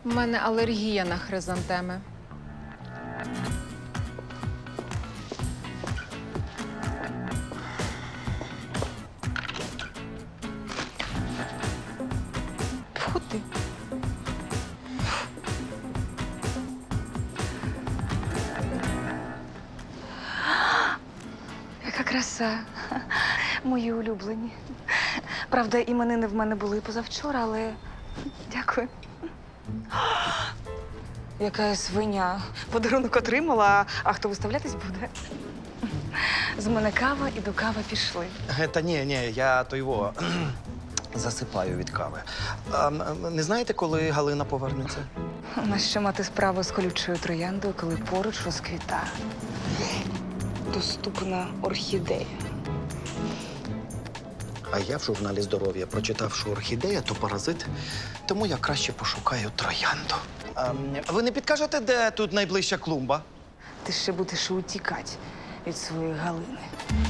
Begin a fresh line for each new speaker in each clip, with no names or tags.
У мене алергія на хризантеми. Фу ти.
Яка краса. Мої улюблені. Правда, іменини в мене були позавчора, але дякую. Яка я свиня. Подарунок отримала, а хто виставлятись буде? З мене кава і до кави пішли.
Та ні, я то його засипаю від кави. Не знаєте, коли Галина повернеться?
Нащо мати справу з колючою трояндою, коли поруч розквітає доступна орхідея?
А я в журналі «Здоров'я» прочитав, що орхідея – то паразит, тому я краще пошукаю троянду. Ви не підкажете, де тут найближча клумба?
Ти ще будеш утікати від своєї Галини.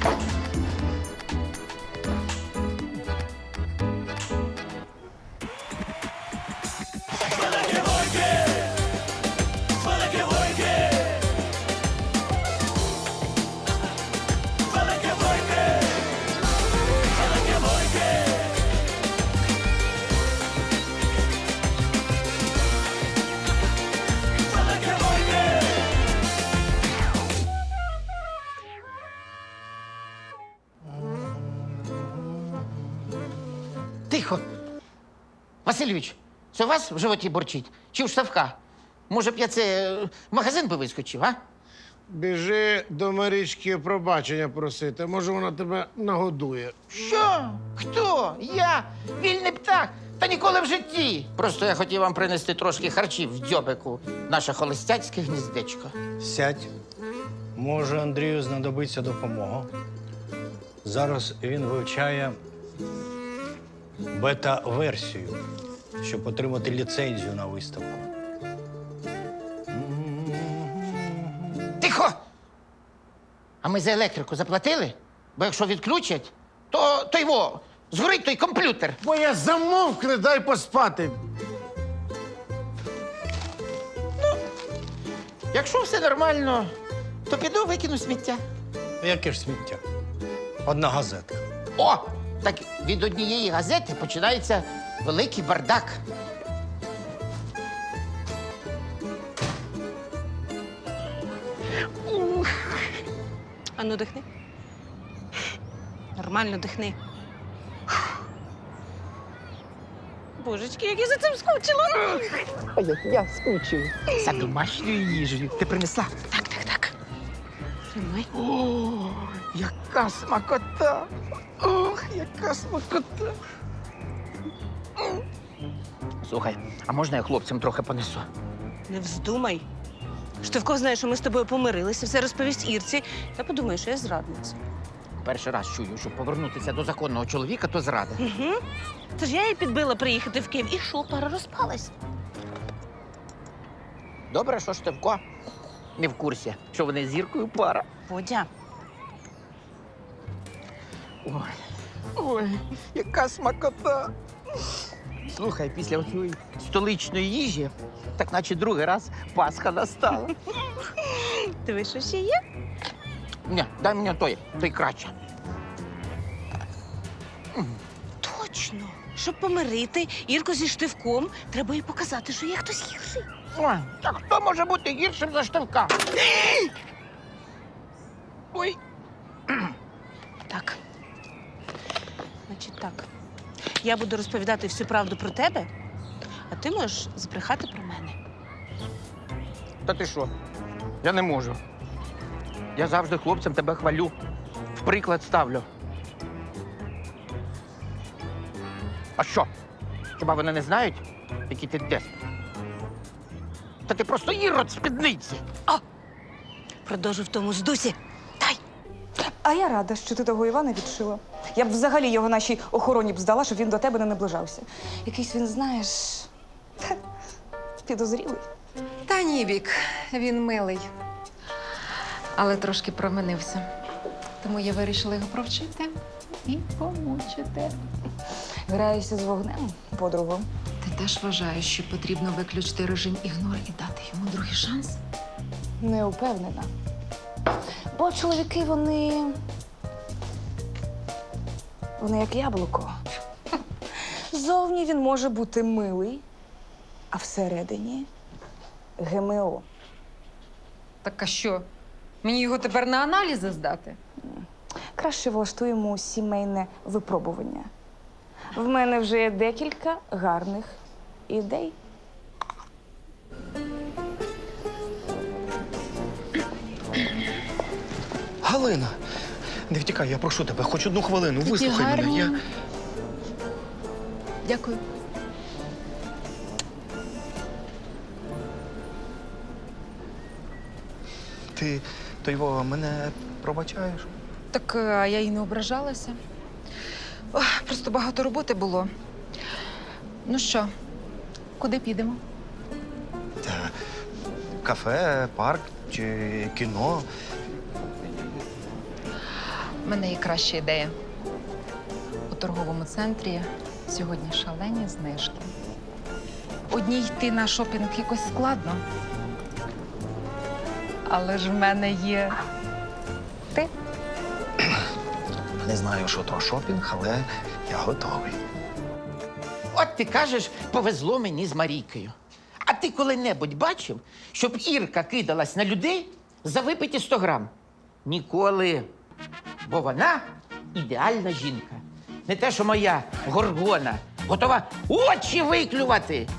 Тихо. Васильович, це у вас в животі борчить? Чи в Штавка? Може б я це в магазин би вискочив, а?
Біжи до Марічки пробачення просити. Може, вона тебе нагодує.
Що? Хто? Я? Вільний птах? Та ніколи в житті. Просто я хотів вам принести трошки харчів в дзьобику. Наше холостяцьке гніздечко.
Сядь. Може, Андрію знадобиться допомога. Зараз він вивчає бета-версію, щоб отримати ліцензію на виставку.
Тихо! А ми за електрику заплатили? Бо якщо відключать, то його згорить той комп'ютер.
Бо я замовкни, дай поспати.
Якщо все нормально, то піду викину сміття.
Яке ж сміття? Одна газетка.
О! Так від однієї газети починається великий бардак.
Ану, дихни. Нормально дихни. Божечки, як я за цим скучила.
Я скучив. За домашньою їжею. Ти принесла?
Так. Тримай.
О, яка смакота! Ох, яка смакота! Слухай, а можна я хлопцям трохи понесу?
Не вздумай. Штовко знає, що ми з тобою помирилися, все розповість Ірці. Та подумає, що я зрадниця.
Перший раз чую, що повернутися до законного чоловіка, то зрада.
Угу. Це ж я її підбила приїхати в Київ. І що, пара розпалась?
Добре, що Штевко не в курсі, що вони з Зіркою пара.
Водя.
Ой, яка смакота! Слухай, після цієї столичної їжі, так наче другий раз Пасха настала.
Диви, що ще є?
Ні, дай мені той краще.
Точно. Щоб помирити Ірку зі Штивком, треба їй показати, що є хтось гірший.
Ой, так хто може бути гіршим за Штевка? Ой.
Так. Значить так. Я буду розповідати всю правду про тебе, а ти можеш збрехати про мене.
Та ти що? Я не можу. Я завжди хлопцям тебе хвалю. В приклад ставлю. А що? Хіба вони не знають, який ти деспот? Та ти просто ірод спідниці.
Продовжу в тому ж дусі. Дай!
А я рада, що ти того Івана відшила. Я б взагалі його нашій охороні б здала, щоб він до тебе не наближався. Якийсь він, знаєш, підозрілий.
Та ні, Вік, він милий. Але трошки променився. Тому я вирішила його провчити і помучити.
Граєшся з вогнем, подругу.
Та теж вважаю, що потрібно виключити режим ігнор і дати йому другий шанс.
Не упевнена. Бо чоловіки, вони як яблуко. Зовні він може бути милий, а всередині ГМО.
Так а що? Мені його тепер на аналізи здати?
Краще влаштуємо сімейне випробування. В мене вже є декілька гарних ідей.
Галина, не втікай, я прошу тебе, хоч одну хвилину, вислухай
гарні.
мене.
Дякую.
Ти то його мене пробачаєш?
Так а я й не ображалася. Ох, просто багато роботи було. Ну що, куди підемо?
Та, кафе, парк чи кіно.
У мене є краща ідея. У торговому центрі сьогодні шалені знижки. Одній йти на шопінг якось складно. Але ж в мене є ти.
Не знаю, що то шопінг, але я готовий.
От ти кажеш, повезло мені з Марійкою. А ти коли-небудь бачив, щоб Ірка кидалась на людей за випиті 100 грам? Ніколи. Бо вона ідеальна жінка. Не те, що моя горгона, готова очі виклювати.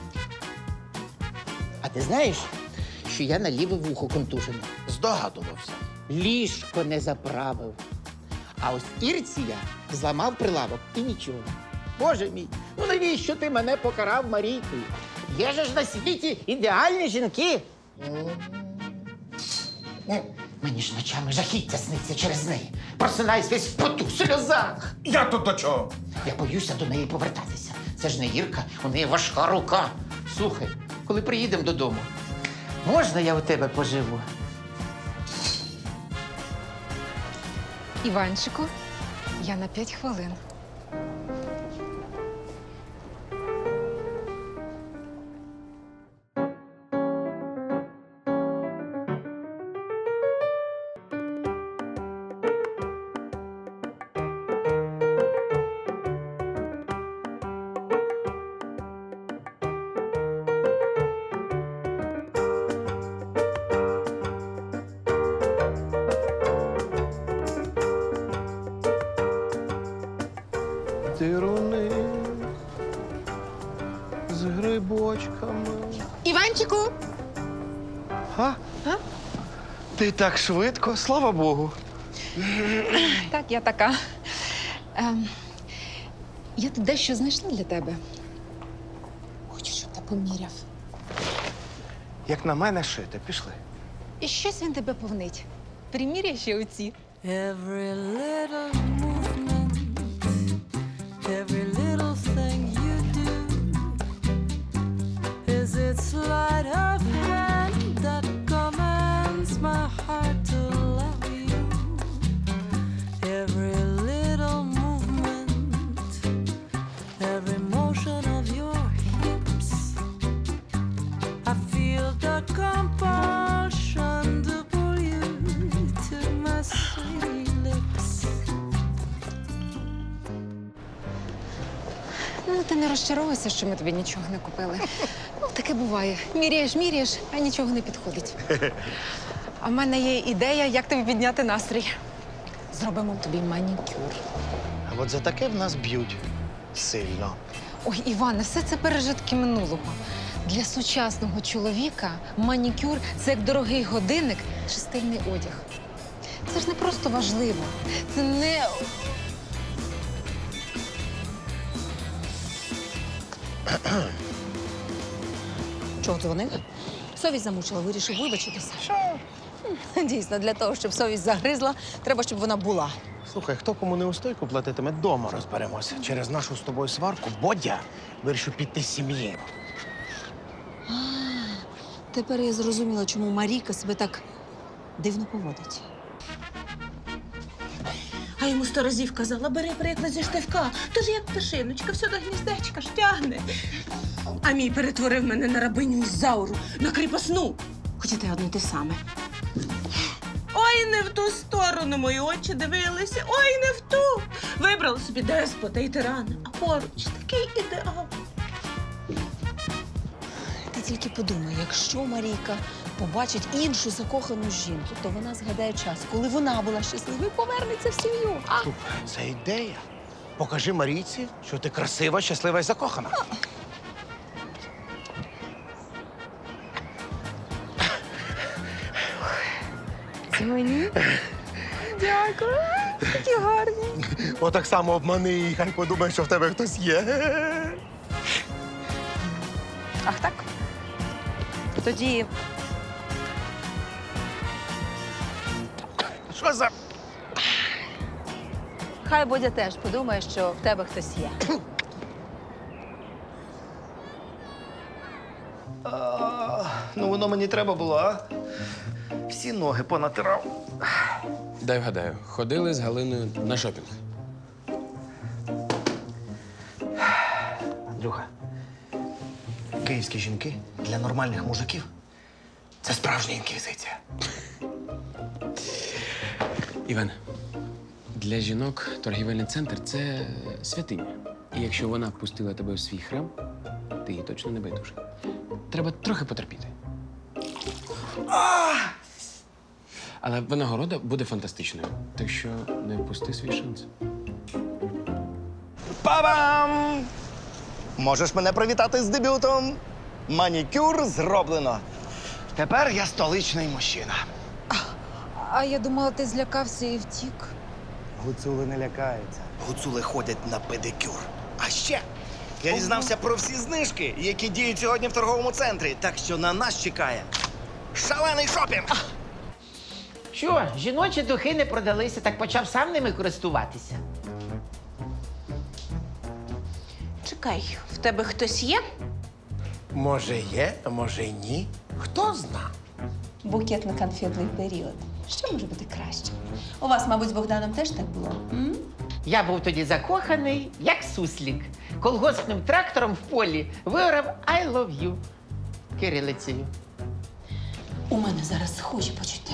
А ти знаєш, що я на ліве вухо контужений? Здогадувався. Ліжко не заправив. А ось Ірці я зламав прилавок і нічого. Боже мій, ну навіщо ти мене покарав Марійкою? Є же ж на світі ідеальні жінки. Мені ж ночами жахіття сниться через неї. Просинаюсь весь в поту, в сльозах.
Я тут до чого?
Я боюся до неї повертатися. Це ж не Ірка, у неї важка рука. Слухай, коли приїдемо додому, можна я у тебе поживу?
Іванчику, я на 5 хвилин.
Дируни з грибочками.
Іванчику!
А? Ти так швидко, слава Богу.
Так, я така. Я тут дещо знайшла для тебе. Хочу, щоб ти поміряв.
Як на мене шити, пішли.
І щось він тебе повнить. Приміряй ще оці.
Every little movement, every little thing you do is its sleight of hand that commands my heart to love you. Every little movement, every motion of your hips, I feel the compulsion to pull you to my sweet lips.
Ну, ти не розчаровуйся, що ми тобі нічого не купили. Ну, таке буває. Міряєш, а нічого не підходить. А в мене є ідея, як тобі підняти настрій. Зробимо тобі манікюр.
А от за таке в нас б'ють сильно.
Ой, Іване, все це пережитки минулого. Для сучасного чоловіка манікюр – це як дорогий годинник чи стильний одяг. Це ж не просто важливо. Це не...
Чого дзвонив? Совість замучила, вирішив вибачитися. Що? Дійсно, для того, щоб совість загризла, треба, щоб вона була.
Слухай, хто кому не устойку платитиме, дома розберемося. Через нашу з тобою сварку Бодя вирішив піти з сім'ї.
Тепер я зрозуміла, чому Марійка себе так дивно поводить. А йому
100 разів казала, бери приклад зі штивка. Тож як пташиночка, все до гніздечка ж тягне. А мій перетворив мене на рабиню Ізауру, на кріпосну. Хоча те одне те саме. Ой, не в ту сторону мої очі дивилися, ой, не в ту. Вибрала собі деспота і тирана, а поруч такий ідеал.
Ти тільки подумай, якщо Марійка побачить іншу закохану жінку, то вона згадає час, коли вона була щаслива і повернеться в сім'ю.
Це ідея. Покажи Марійці, що ти красива, щаслива і закохана.
Це мені? Дякую. Такі гарні.
Отак само обмани її, хай подумає, що в тебе хтось є.
Ах так? Тоді
Що за...
хай Бодя теж подумає, що в тебе хтось є.
Ну, воно мені треба було, а? Всі ноги понатирав.
Дай вгадаю, ходили з Галиною на шопінг.
Андрюха, київські жінки для нормальних мужиків – це справжня інквізиція.
Іван, для жінок торгівельний центр це святиня. І якщо вона пустила тебе в свій храм, ти їй точно не байдужий. Треба трохи потерпіти. Але винагорода буде фантастичною, так що не впусти свій шанс.
Па-бам! Можеш мене привітати з дебютом. Манікюр зроблено. Тепер я столичний мужчина.
А я думала, ти злякався і втік.
Гуцули не лякаються.
Гуцули ходять на педикюр. А ще я дізнався про всі знижки, які діють сьогодні в торговому центрі. Так що на нас чекає шалений шопінг.
Що, жіночі духи не продалися, так почав сам ними користуватися.
Чекай, в тебе хтось є?
Може є, а може й ні. Хто зна?
Букетно-конфетний період. Що може бути краще? У вас, мабуть, з Богданом теж так було?
Я був тоді закоханий, як суслік. Колгоспним трактором в полі виорав «I love you» кирилицею.
У мене зараз схожі почуття.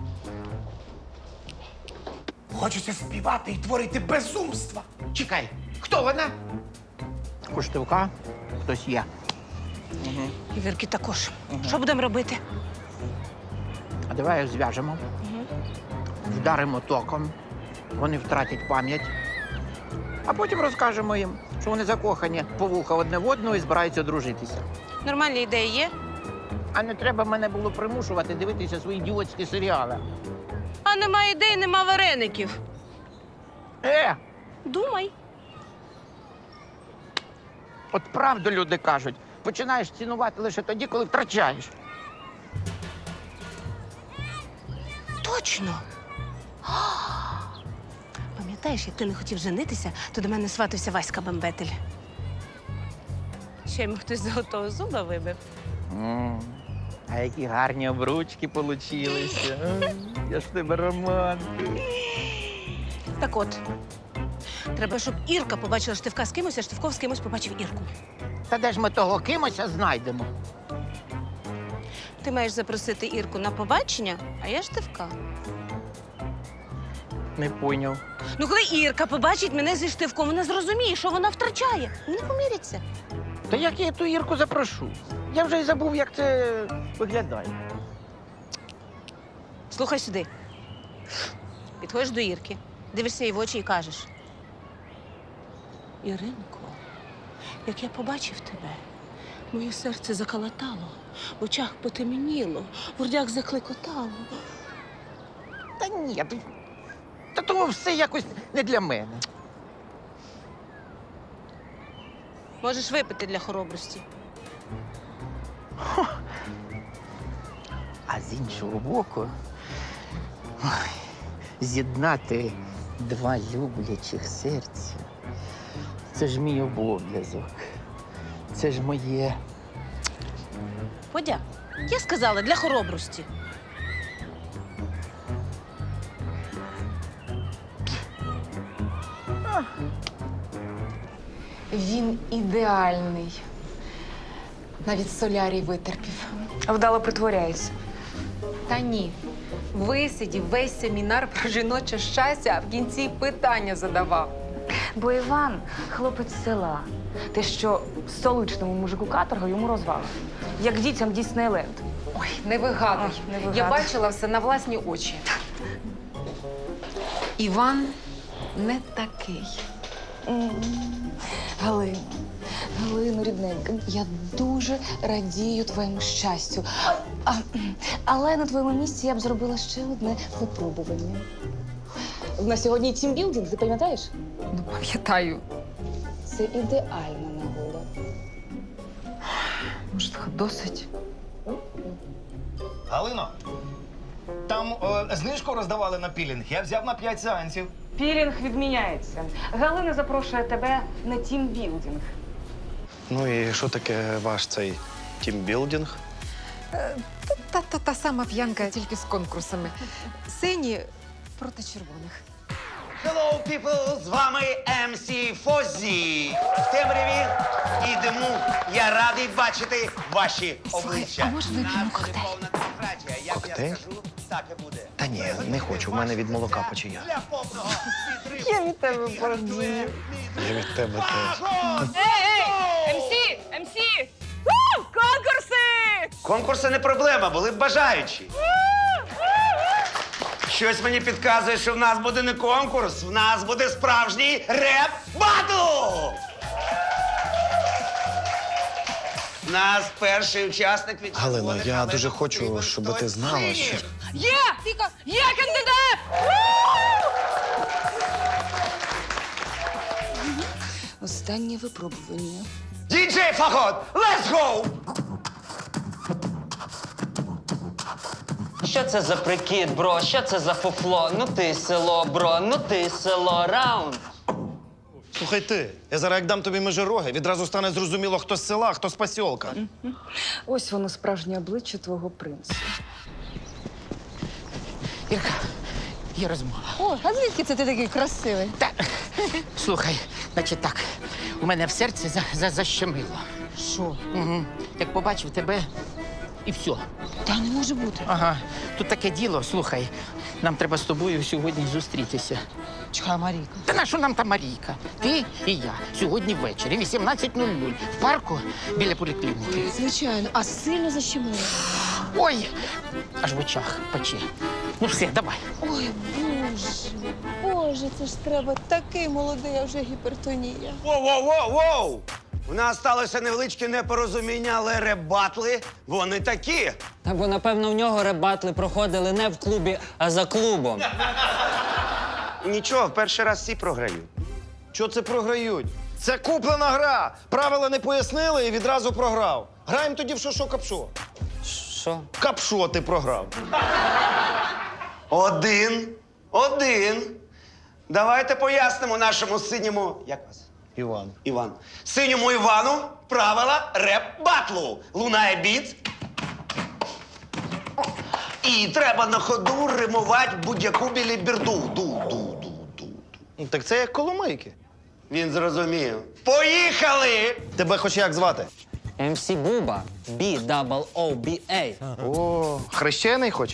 Хочеться співати і творити безумства.
Чекай, хто вона? У Штивка хтось є.
І Вірки також. Що будемо робити?
А давай їх зв'яжемо, вдаримо током, вони втратять пам'ять, а потім розкажемо їм, що вони закохані по вуха одне в одного і збираються одружитися.
Нормальні ідеї є?
А не треба мене було примушувати дивитися свої ідіотські серіали.
А нема ідей, нема вареників. Думай.
От правду люди кажуть, починаєш цінувати лише тоді, коли втрачаєш.
Точно. Пам'ятаєш, як ти не хотів женитися, то до мене сватався Васька Бембетель. Ще йому хтось золотого зуба вибив.
А які гарні обручки получилися. Я ж в тебе романтик.
Так от, треба, щоб Ірка побачила Штивка з кимось, а Штивко з кимось побачив Ірку.
Та де ж ми того кимося знайдемо?
Ти маєш запросити Ірку на побачення, а я Штивка.
Не пойняв.
Ну, коли Ірка побачить мене зі Штивком, вона зрозуміє, що вона втрачає. Вони поміряться.
Та як я ту Ірку запрошу? Я вже й забув, як це виглядає.
Слухай сюди. Підходиш до Ірки, дивишся їй в очі і кажеш: Іринко, як я побачив тебе, моє серце заколотало, в очах потемніло, в грудях закликотало.
Та ні, та того все якось не для мене.
Можеш випити для хоробрості.
А з іншого боку, з'єднати два люблячих серця – це ж мій обов'язок. Це ж моє.
Подя, я сказала, для хоробрості.
Він ідеальний. Навіть солярій витерпів.
Вдало притворяється.
Та ні. Висидів весь семінар про жіноче щастя, а в кінці питання задавав.
Бо Іван хлопець з села. Те, що столичному мужику каторга йому розвали. Як дітям Діснейленд.
Ой, не вигадуй.
Не вигадуй.
Я бачила все на власні очі. Іван не такий.
Галино, рідненька, я дуже радію твоєму щастю. Але на твоєму місці я б зробила ще одне випробування. В нас сьогодні тімбілдинг, ти пам'ятаєш?
Ну, пам'ятаю.
Це ідеальна нагода.
Може, досить?
Галино, там знижку роздавали на пілінг. Я взяв на 5 сеансів.
Пілінг відміняється. Галина запрошує тебе на тімбілдинг.
Ну і що таке ваш цей тімбілдинг?
Та сама п'янка, тільки з конкурсами. Сині проти червоних.
Hello, people! З вами MC Фозі. В темряві і диму я радий бачити ваші обличчя.
а може вип'ємо коктейль?
Повна демократія. Як
Коктейль?
я скажу, так і буде.
Та ні, не хочу. У мене від молока печія.
Для повного підриву.
Я від тебе бордію.
Я від тебе теж.
МС! Конкурси!
Конкурси не проблема, були б бажаючі. Щось мені підказує, що в нас буде не конкурс, в нас буде справжній реп-батл! У нас перший учасник від
Галино,
червоних,
я
але
дуже
нам
хочу,
потрібен
щоб
хтось
ти знала,
з
що...
синіх.
Є кандидат! Останнє випробування.
Діджей Фагот, let's go!
Що це за прикид, бро? Що це за фуфло? Ну ти село, бро, ну ти село, раунд.
Слухай ти, я зараз як дам тобі межироги, відразу стане зрозуміло, хто з села, а хто з посілка.
Ось воно справжнє обличчя твого принца.
Ірка, є розмова.
О, а звідки це ти такий красивий?
Та, слухай, значить так, у мене в серці защемило.
Що?
Угу. Як побачив тебе, і все.
Та не може бути.
Ага, тут таке діло, слухай, нам треба з тобою сьогодні зустрітися.
Чекай, Марійка.
Та на що нам та Марійка? Ти і я сьогодні ввечері, 18:00, в парку біля поліклініки.
Звичайно, а сильно защемило.
Ой, аж в очах пече. Ну все, давай.
Ой, Боже, це ж треба такий молодий, а вже гіпертонія.
Воу-воу-воу-воу! У нас сталося невеличке непорозуміння, але реп-батли, вони такі.
Та бо, напевно, в нього ребатли проходили не в клубі, а за клубом.
Нічого, в перший раз всі програють.
Що це програють? Це куплена гра. Правила не пояснили і відразу програв. Граємо тоді в шо-шо капшо.
Що?
Капшо ти програв.
1-1. Давайте пояснимо нашому синьому. Як вас?
Іван.
Іван. Синьому Івану правила реп-батлу. Лунає біт. І треба на ходу римувати будь-яку біліберду. Ду-ду-ду-ду.
Ну, так це як коломийки.
Він зрозумів. Поїхали!
Тебе хоч як звати?
МС Буба, B-double-O-B-A.
О, хрещений хоч?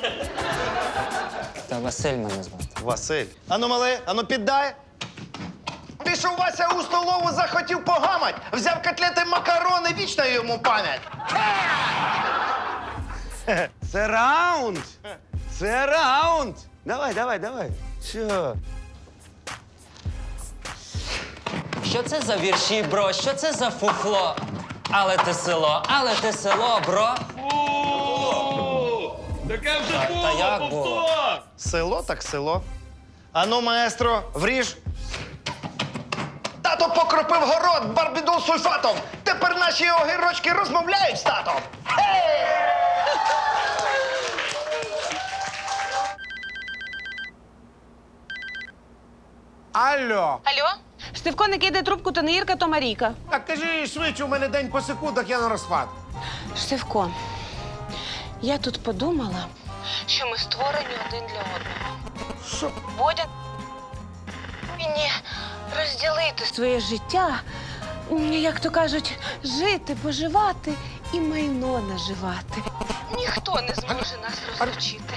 Та Василь мене звати.
Василь. Ану, мале, ану піддай. Пішов Вася у столову, захотів погамать. Взяв котлети макарони, вічна йому пам'ять.
Це раунд! Це раунд! Давай. Що?
Що це за вірші, бро? Що це за фуфло? Але ти село, бро.
Таке вже було,
Та як було?
Село так село. Ану, маестро, вріж. Тато покропив город барбідол сульфатом. Тепер наші огірочки розмовляють з татом.
Алло!
Алло? Штивко не кидає трубку, то не Ірка, то Марійка.
Так кажи швидше, у мене день по секундах, я на розпад.
Штивко, я тут подумала, що ми створені один для одного.
Що?
Бодя повинні розділити своє життя, як то кажуть, жити, поживати і майно наживати. Ніхто не зможе нас розлучити.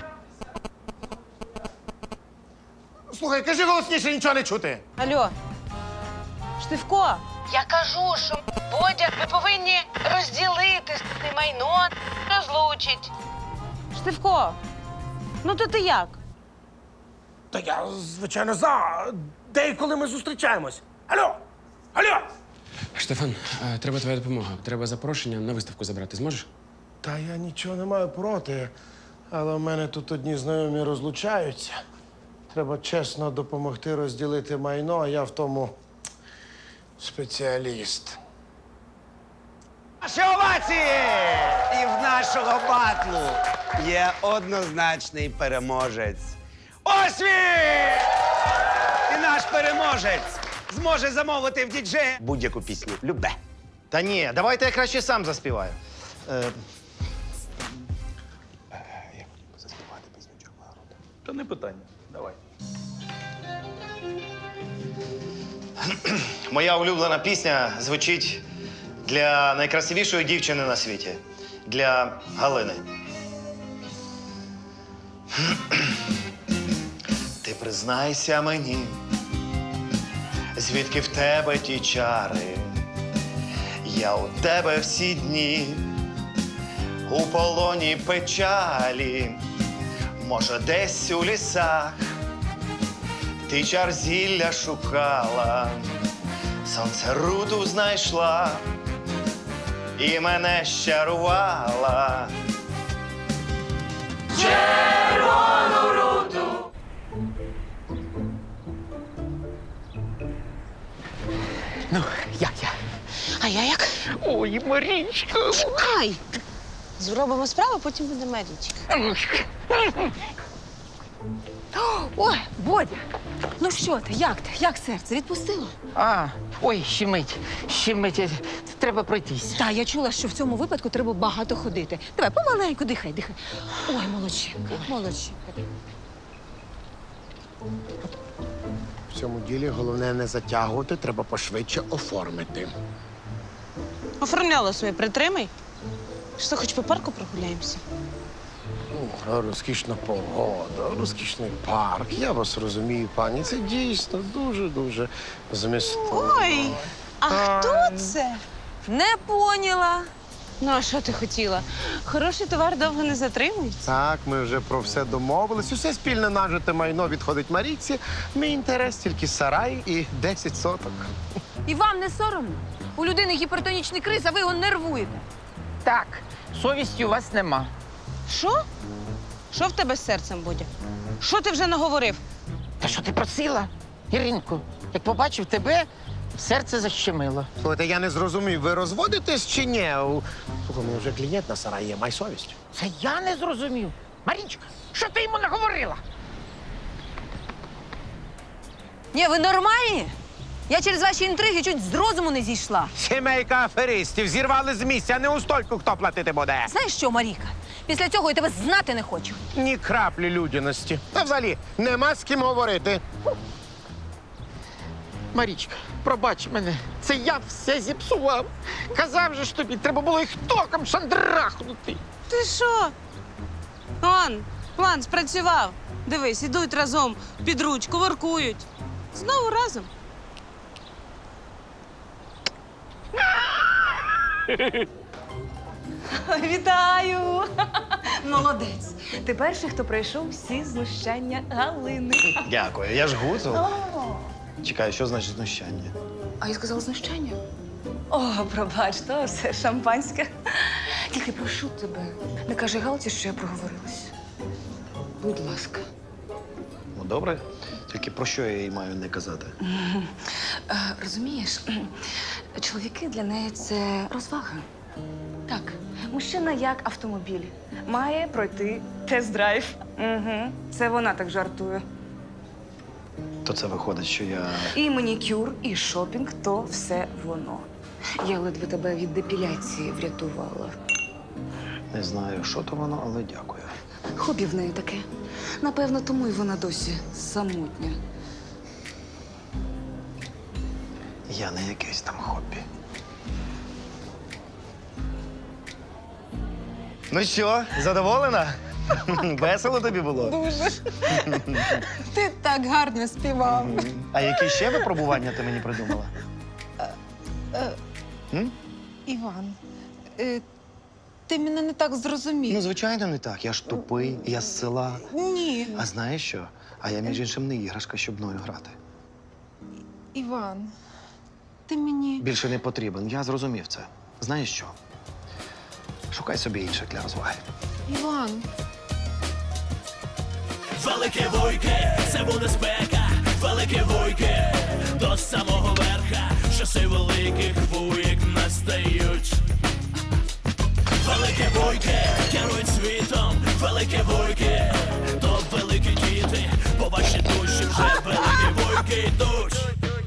Слухай, кажи голосніше, нічого не чути.
Алло, Штивко. Я кажу, що Бодя, ви повинні розділити майно, розлучить. Штивко, ну то ти як?
Та я, звичайно, за. Де і коли ми зустрічаємось? Алло! Алло!
Штефан, треба твоя допомога. Треба запрошення на виставку забрати. Зможеш?
Та я нічого не маю проти, але в мене тут одні знайомі розлучаються. Треба чесно допомогти розділити майно, а я в тому спеціаліст.
Наші овації! І в нашого батлу є однозначний переможець. Ось він! І наш переможець зможе замовити в діджея будь-яку пісню. Любе.
Та ні, давайте я краще сам заспіваю.
Та не питання. Давай.
Моя улюблена пісня звучить для найкрасивішої дівчини на світі. Для Галини. Ти признайся мені, звідки в тебе ті чари. Я у тебе всі дні, у полоні печалі. Може, десь у лісах ти чар зілля шукала, сонце руду знайшла і мене щарувала. Червону руду.
Ну, я.
А я як?
Ой, Марічка.
Чекай! Зробимо справу, потім буде Марічка.
Ой, Бодя, ну що ти, як ти? Як серце? Відпустило?
Ой, щемить. Треба пройтись.
Та, я чула, що в цьому випадку треба багато ходити. Давай, помаленьку, дихай. Ой, молодчинка.
В цьому ділі головне не затягувати, треба пошвидше оформити.
Оформляла своє, притримай. Що, хоч по парку прогуляємося?
Розкішна погода, розкішний парк. Я вас розумію, пані. Це дійсно дуже-дуже змістовно.
Ой, а хто це?
Не поняла.
Ну, а що ти хотіла? Хороший товар довго не затримується.
Так, ми вже про все домовились. Усе спільне нажите майно відходить Марійці. Мій інтерес тільки сарай і 10 соток.
І вам не соромно? У людини гіпертонічний криз, а ви його нервуєте.
Так, совісті у вас нема.
Що? Що в тебе з серцем, Бодя? Що ти вже наговорив?
Та що ти просила, Іринку? Як побачив тебе, серце защемило.
Слухайте, я не зрозумів, ви розводитесь чи ні? Слухай, ну вже клієнт на сараї є, май совість.
Це я не зрозумів. Марічка, що ти йому наговорила?
Ні, ви нормальні? Я через ваші інтриги чуть з розуму не зійшла.
Сімейка аферистів зірвали з місця, не у стойку хто платити буде.
Знаєш що, Маріка? Після цього я тебе знати не хочу.
Ні краплі людяності. Та взагалі нема з ким говорити.
Марічка, пробач мене, це я все зіпсував. Казав же ж тобі, треба було їх током шандрахнути.
Ти що? План спрацював. Дивись, ідуть разом під ручку, воркують. Знову разом.
Вітаю! Молодець. Ти перший, хто пройшов всі знущання Галини.
Дякую, я ж гуцул. Чекай, що значить знущання?
А я сказала знущання? О, пробач, то все шампанське. Тільки прошу тебе, не кажи Галці, що я проговорилась. Будь ласка.
Ну, добре. Тільки про що я їй маю не казати?
Розумієш, чоловіки для неї це розвага. Так, мужчина як автомобіль. Має пройти тест-драйв. Угу. Це вона так жартує.
То це виходить, що я.
І манікюр, і шопінг – то все воно. Я ледве тебе від депіляції врятувала.
Не знаю, що то воно, але дякую.
Хобі в неї таке. Напевно, тому й вона досі самотня.
Я не якесь там хобі. Ну що, задоволена? Весело тобі було?
Дуже. Ти так гарно співав.
А які ще випробування ти мені придумала?
Іван, ти мене не так зрозумів.
Ну, звичайно, не так. Я ж тупий, я з села.
Ні.
А знаєш що? А я, між іншим, не іграшка, щоб мною грати.
Іван, ти мені.
Більше не потрібен. Я зрозумів це. Знаєш що? Шукай собі інших для розваги.
Іван.
Велике вуйки, це буде спека, велике вуйки, до самого верха, часи великих вуйк настають. Велике вуйки керують світом, велике вуйки, то великі діти, по вашій душі вже великі вуйки йдуть.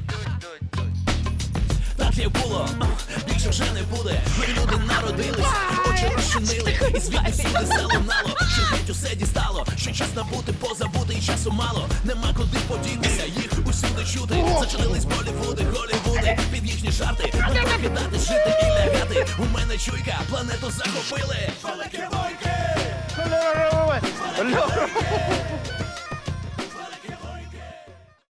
Так як було, більше вже не буде. Ми люди народились, очі розчинили, і звідти всюди залунало, що геть усе дістало, що час набути, позабути, і часу мало. Нема куди подінутися, їх усюди чути. Зачинились Болівуди, Голівуди, під їхні жарти. Не покидати, жити і лягати. У мене чуйка, планету захопили. Великі войки!